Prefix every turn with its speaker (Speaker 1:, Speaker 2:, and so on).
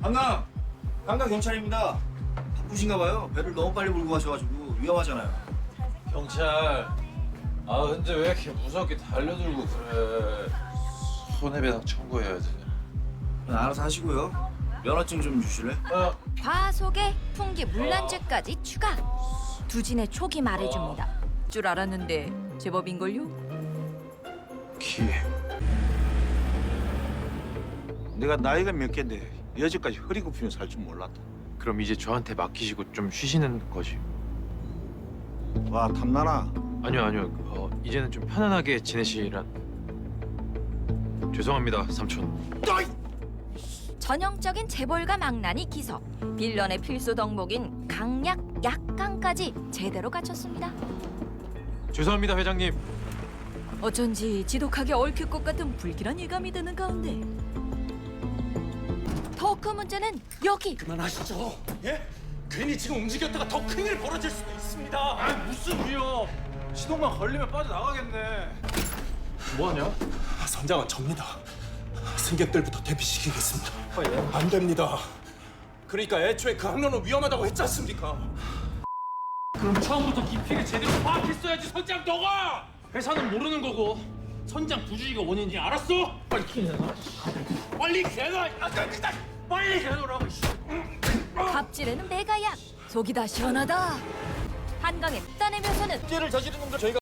Speaker 1: 한강 경찰입니다. 바쁘신가 봐요. 배를 너무 빨리 몰고 가셔가지고 위험하잖아요.
Speaker 2: 경찰. 아 근데 왜 이렇게 무섭게 달려들고 그래? 손해배상 청구해야지.
Speaker 1: 알아서 하시고요. 면허증 좀 주실래?
Speaker 3: 과속에 풍기 물난죄까지 추가. 두진의 촉이 말해줍니다. 줄 알았는데 제법인걸요?
Speaker 4: 기회. 내가 나이가 몇 갠데 여지까지 허리 굽히며 살 줄 몰랐다.
Speaker 5: 그럼 이제 저한테 맡기시고 좀 쉬시는 거지?
Speaker 4: 와 탐나나?
Speaker 5: 아니요. 이제는 좀 편안하게 지내시란. 죄송합니다, 삼촌.
Speaker 3: 전형적인 재벌가 망나니 기석. 빌런의 필수 덕목인 강약, 약강까지 제대로 갖췄습니다.
Speaker 5: 죄송합니다, 회장님.
Speaker 3: 어쩐지 지독하게 얽힐 것 같은 불길한 예감이 드는 가운데 더 큰 문제는 여기.
Speaker 6: 그만하시죠. 예? 괜히 지금 움직였다가 더 큰일 벌어질 수도 있습니다.
Speaker 2: 아 무슨 위험? 시동만 걸리면 빠져나가겠네. 뭐하냐?
Speaker 6: 선장은 접니다. 승객들부터 대피시키겠습니다. 안 됩니다. 그러니까 애초에 그 항로는 위험하다고 했지 않습니까?
Speaker 2: 그럼 처음부터 깊이를 제대로 파악했어야지 선장 너가! 회사는 모르는 거고 선장 부주의가 원인이 알았어? 빨리 내놔. 빨리 내놔. 빨리 내놓으라고.
Speaker 3: 갑질에는 메가약. 속이 다 시원하다. 한강의 따내면서는
Speaker 1: 죄를 저지른 놈도 저희가